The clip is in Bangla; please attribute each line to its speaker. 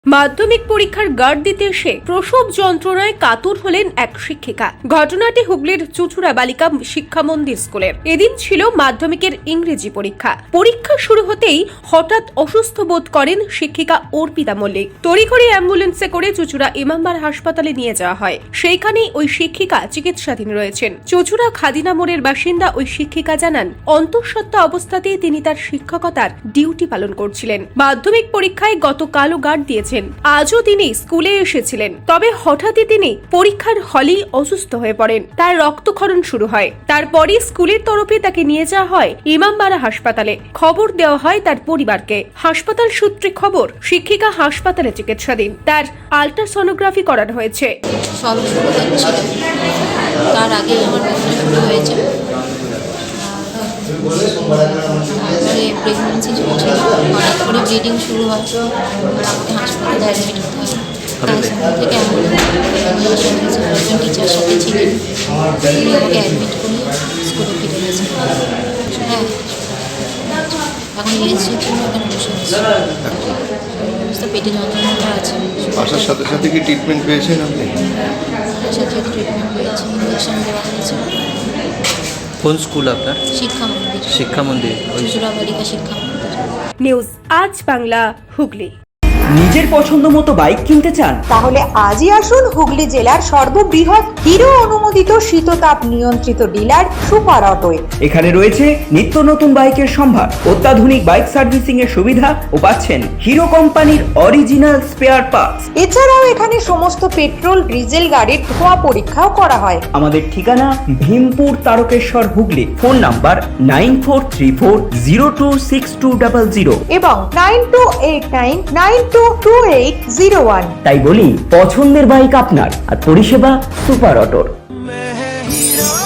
Speaker 1: মাধ্যমিক পরীক্ষার গার্ড দিতে এসে প্রসব যন্ত্রণায় কাতর হলেন এক শিক্ষিকা। ঘটনাটি হুগলির চুচুড়া বালিকা শিক্ষা মন্দির স্কুলের। এদিন ছিল মাধ্যমিকের ইংরেজি পরীক্ষা। পরীক্ষা শুরু হতেই হঠাৎ অসুস্থ বোধ করেন শিক্ষিকা অর্পিতা মল্লিক। তড়িঘড়ি অ্যাম্বুলেন্সে করে চুচুড়া ইমামবাড়া হাসপাতালে নিয়ে যাওয়া হয়। সেইখানেই ওই শিক্ষিকা চিকিৎসাধীন রয়েছেন। চুচুড়া খাদিনা মোড়ের বাসিন্দা ওই শিক্ষিকা জানান, অন্তঃসত্ত্বা অবস্থাতেই তিনি তার শিক্ষকতার ডিউটি পালন করছিলেন। মাধ্যমিক পরীক্ষায় গতকালও গার্ড দিয়েছেন। আজও তিনি স্কুলে এসেছিলেন, তবে হঠাৎই তিনি পরীক্ষার হলেই অসুস্থ হয়ে পড়েন। তার রক্তক্ষরণ শুরু হয়। তারপরই স্কুলের তরফে তাকে নিয়ে যাওয়া হয় ইমামবাড়া হাসপাতালে। খবর দেওয়া হয় তার পরিবারকে। হাসপাতাল সূত্রে খবর, শিক্ষিকা হাসপাতালে চিকিৎসাধীন। তার আল্ট্রাসোনোগ্রাফি করানো হয়েছে।
Speaker 2: তার আগে আমার ব্যথা শুরু হয়েছে, তারপরে প্রেগনেন্সি চলছিল, হঠাৎ করে ব্লিডিং শুরু হয়, আমাকে হাসপাতালে অ্যাডমিট হতে হয়। তাই স্কুল থেকে একজন টিচার সাথে ছিলেন, তিনি আমাকে অ্যাডমিট করে স্কুলে ফিরে গেছেন। হ্যাঁ, এখন এসেছি জন্য এখানে বসে আছি। পেটে যন্ত্রণাটা আছে।
Speaker 3: আসার সাথে সাথে কি ট্রিটমেন্ট পেয়েছেন আপনি?
Speaker 2: সাথে ট্রিটমেন্ট পেয়েছি, ইঞ্জেকশন দেওয়া হয়েছে।
Speaker 4: কোন স্কুল আপনার?
Speaker 2: শিক্ষা মন্দির।
Speaker 4: শিক্ষা মন্দির,
Speaker 2: চুচুড়া বালিকা শিক্ষা মন্দির।
Speaker 1: নিউজ আজ বাংলা, হুগলি।
Speaker 5: নিজের পছন্দ মতো বাইক কিনতে চান?
Speaker 6: তাহলে আজই আসুন হুগলি জেলার সর্ববৃহৎ হিরো অনুমোদিত শীততাপ নিয়ন্ত্রিত ডিলার সুপার অটোয়।
Speaker 5: এখানে রয়েছে নিত্য নতুন বাইকের সম্ভার, অত্যাধুনিক বাইক সার্ভিসিং এর সুবিধা ও পাচ্ছেন হিরো কোম্পানির অরিজিনাল স্পেয়ার পার্টস।
Speaker 6: এছাড়াও এখানে সমস্ত পেট্রোল ডিজেল গাড়ির ধোঁয়া পরীক্ষাও করা হয়।
Speaker 5: আমাদের ঠিকানা ভীমপুর তারকেশ্বর, হুগলি। ফোন নাম্বার 9434026200
Speaker 6: এবং 9289922801।
Speaker 5: তাই বলি, পছন্দের বাইক আপনার আর পরিষেবা সুপার অটোর।